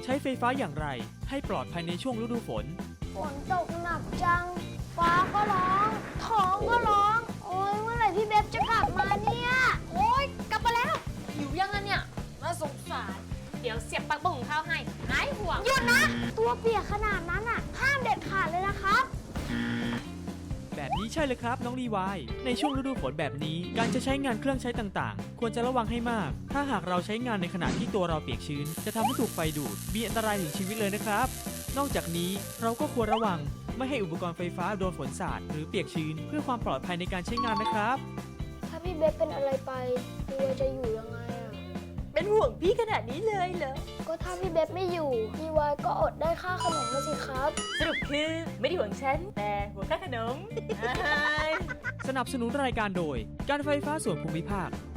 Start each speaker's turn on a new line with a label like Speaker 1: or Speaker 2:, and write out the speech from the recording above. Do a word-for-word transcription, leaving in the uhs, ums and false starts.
Speaker 1: ช้ไฟฟ้าอย่างไรให้ปลอดภัยในช่วงฤดูฝน
Speaker 2: ฝนตกหนักจังฟ้าก็ร้องท้องก็ร้องโอ้ยเมื่อไหร่พี่เบบจะกลับมาเนี่ยโอ้ยกลับมาแล้วหิวยังไงเนี่ยน่าสงสาร
Speaker 3: เดี๋ยวเสียบปลั๊กบุ้งข้าวให้หายห่วง
Speaker 2: หยุดนะตัวเปียกขนาดนั้นอ่ะห้ามเด็ดขาดเลยนะครับ
Speaker 1: แบบนี้ใช่เลยครับน้องรีวายในช่วงฤดูฝนแบบนี้การจะใช้งานเครื่องใช้ต่างๆควรจะระวังให้มากถ้าหากเราใช้งานในขณะที่ตัวเราเปียกชื้นจะทำให้ถูกไฟดูดมีอันตรายถึงชีวิตเลยนะครับนอกจากนี้เราก็ควรระวังไม่ให้อุปกรณ์ไฟฟ้าโดนฝนสาดหรือเปียกชื้นเพื่อความปลอดภัยในการใช้งานนะครับ
Speaker 2: ถ้าพี่เบบเป็นอะไรไปตัวจะอยู่ยังไงอ่ะ
Speaker 3: เป็นห่วงพี่ขนาดนี้เลยเหรอ
Speaker 2: ก็ถ้าพี่เบบไม่อยู่พี่วายก็อดได้ค่าขนมมาสิครับ
Speaker 3: สรุปคือไม่ได้ห่วงฉันแต่ห่วงค่าขนม
Speaker 1: สนับสนุนรายการโดยการไฟฟ้าส่วนภูมิภาค